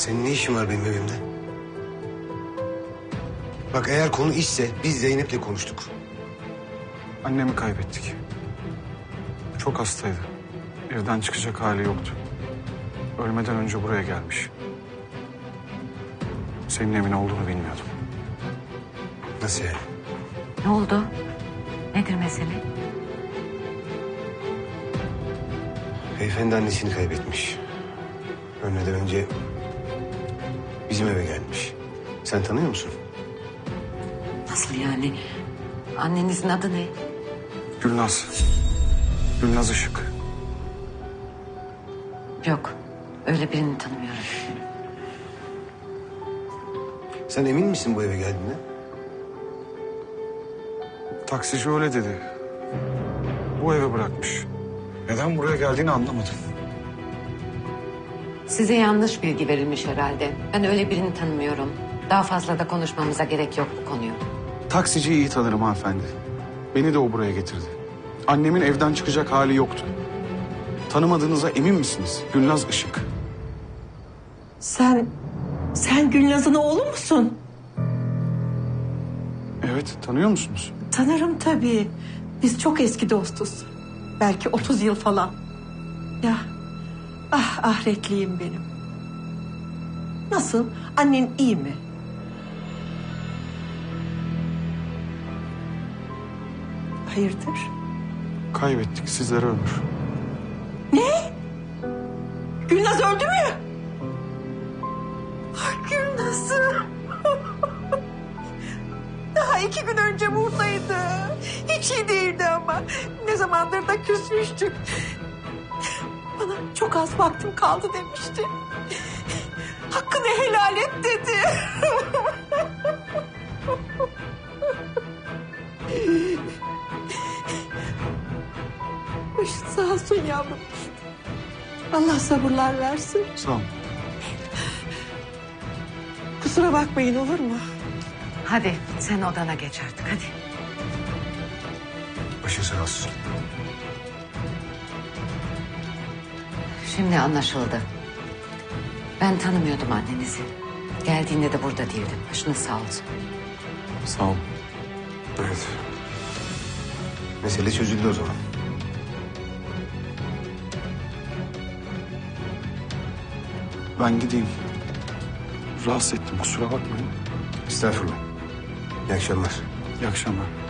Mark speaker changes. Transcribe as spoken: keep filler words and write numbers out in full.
Speaker 1: Senin ne işin var benim evimde? Bak eğer konu işse biz Zeynep'le konuştuk.
Speaker 2: Annemi kaybettik. Çok hastaydı. Evden çıkacak hali yoktu. Ölmeden önce buraya gelmiş. Senin evin olduğunu bilmiyordum.
Speaker 1: Nasıl yani?
Speaker 3: Ne oldu? Nedir mesele?
Speaker 1: Beyefendi annesini kaybetmiş. Ölmeden önce bizim eve gelmiş. Sen tanıyor musun?
Speaker 3: Nasıl yani? Annenizin adı ne?
Speaker 2: Gülnaz. Gülnaz Işık.
Speaker 3: Yok. Öyle birini tanımıyorum.
Speaker 1: Sen emin misin bu eve geldiğine?
Speaker 2: Taksici öyle dedi. Bu evi bırakmış. Neden buraya geldiğini anlamadım.
Speaker 3: Size yanlış bilgi verilmiş herhalde. Ben öyle birini tanımıyorum. Daha fazla da konuşmamıza gerek yok bu konuyu.
Speaker 2: Taksiciyi iyi tanırım hanımefendi. Beni de o buraya getirdi. Annemin evden çıkacak hali yoktu. Tanımadığınıza emin misiniz? Gülnaz Işık.
Speaker 4: Sen, sen Gülnaz'ın oğlu musun?
Speaker 2: Evet, tanıyor musunuz?
Speaker 4: Tanırım tabii. Biz çok eski dostuz. Belki otuz yıl falan. Ya, ah ahretliyim benim. Nasıl? Annen iyi mi? Hayırdır?
Speaker 2: Kaybettik, sizlere ömür.
Speaker 4: Gülnaz öldü mü? Ay Gülnaz'ım. Daha iki gün önce buradaydı. Hiç iyi değildi ama. Ne zamandır da küsmüştük. Bana çok az vaktim kaldı demişti. Hakkını helal et dedi. Başın sağ olsun yavrum. Allah sabırlar versin.
Speaker 2: Sağ olun.
Speaker 4: Kusura bakmayın olur mu?
Speaker 3: Hadi sen odana geç artık hadi.
Speaker 1: Başı sağ olsun.
Speaker 3: Şimdi anlaşıldı. Ben tanımıyordum annenizi. Geldiğinde de burada değildim. Başınız sağ olsun.
Speaker 2: Sağ olun.
Speaker 1: Evet. Mesele çözüldü o zaman.
Speaker 2: Ben gideyim. Rahatsız ettim, kusura bakmayın.
Speaker 1: Estağfurullah. İyi akşamlar.
Speaker 2: İyi akşamlar.